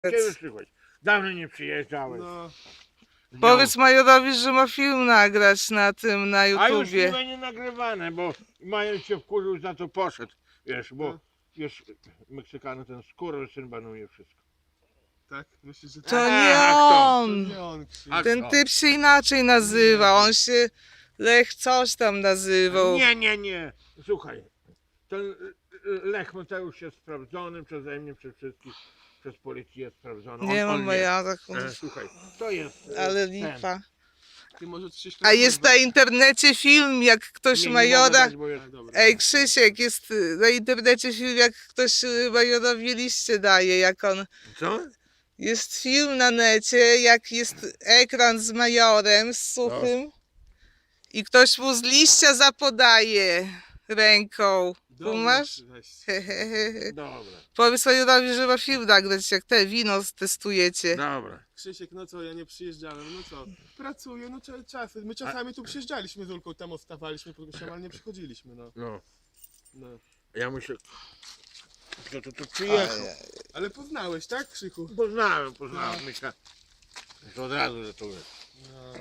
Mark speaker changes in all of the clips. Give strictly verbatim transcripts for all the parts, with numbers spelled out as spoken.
Speaker 1: Ciebie słychać. Dawno nie przyjeżdżałeś.
Speaker 2: No,
Speaker 1: Z nią.
Speaker 3: Powiedz Majorowi, że ma film nagrać na tym, na
Speaker 1: A już nie
Speaker 3: YouTubie.
Speaker 1: będzie nagrywane, bo Major się wkurzył, za to poszedł. Wiesz, bo
Speaker 2: No.
Speaker 1: wiesz, Meksykany ten skurwysyn banuje wszystko.
Speaker 2: tak? Myślisz, że
Speaker 3: To
Speaker 1: A,
Speaker 3: nie
Speaker 1: a kto?
Speaker 2: To
Speaker 3: on!
Speaker 2: nie on Krzysiek.
Speaker 1: A
Speaker 3: Ten
Speaker 1: kto?
Speaker 3: typ się inaczej nazywa, on się Lech coś tam nazywał.
Speaker 1: Nie, nie, nie. Słuchaj, ten Lech Mateusz jest sprawdzony przeze mnie, przez wszystkich, przez policję jest sprawdzony.
Speaker 3: Nie
Speaker 1: on,
Speaker 3: mam
Speaker 1: on wie.
Speaker 3: Majora,
Speaker 1: E, Słuchaj, to jest e,
Speaker 3: ale
Speaker 1: ten.
Speaker 3: lipa.
Speaker 2: Ty może Krzyśka
Speaker 3: A jest na
Speaker 2: pozwolić.
Speaker 3: internecie film, jak ktoś
Speaker 1: Nie, nie mogę
Speaker 3: Majora...
Speaker 1: dać, bo jest...
Speaker 2: A, dobra.
Speaker 3: Ej, Krzysiek, jest y, na internecie film, jak ktoś y, Majorowi liście daje, jak on...
Speaker 1: Co?
Speaker 3: Jest film na necie, jak jest ekran z Majorem, z suchym i ktoś mu z liścia zapodaje ręką.
Speaker 2: Dobra,
Speaker 3: Kumasz?
Speaker 2: weź.
Speaker 1: Dobra,
Speaker 3: Powiedz Majorowi, że ma film nagrać, jak te wino testujecie.
Speaker 1: dobra.
Speaker 2: Krzysiek, no co, ja nie przyjeżdżałem, no co? Pracuję, no cza- czasy. My czasami tu przyjeżdżaliśmy z Ulką, tam ostawaliśmy, podgłosiłem, ale nie przychodziliśmy, no.
Speaker 1: No,
Speaker 2: no.
Speaker 1: ja myślę, kto to tu przyjechał.
Speaker 2: Ale poznałeś, tak, Krzyku?
Speaker 1: Poznałem, poznałem, myślę, że od razu, że to jest.
Speaker 2: No.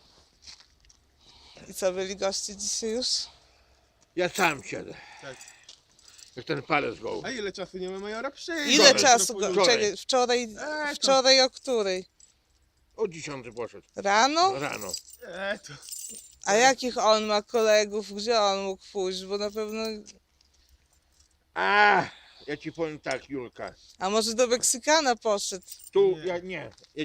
Speaker 3: I co, byli goście dzisiaj już?
Speaker 1: Ja sam siedzę,
Speaker 2: Tak.
Speaker 1: jak ten palec goły.
Speaker 2: A ile czasu nie ma Majora? Przyjdzie.
Speaker 3: Ile
Speaker 1: Wczoraj,
Speaker 3: czasu?
Speaker 2: Wczoraj.
Speaker 3: Go, czekaj, wczoraj,
Speaker 2: E, to-
Speaker 3: wczoraj o której?
Speaker 1: O dziesiąty poszedł,
Speaker 3: Rano?
Speaker 1: rano.
Speaker 2: E, to...
Speaker 3: A jakich on ma kolegów? Gdzie on mógł pójść? Bo na pewno...
Speaker 1: A, ja ci powiem tak, Julka,
Speaker 3: A może do Meksykana poszedł?
Speaker 1: tu,
Speaker 2: Nie.
Speaker 1: ja nie,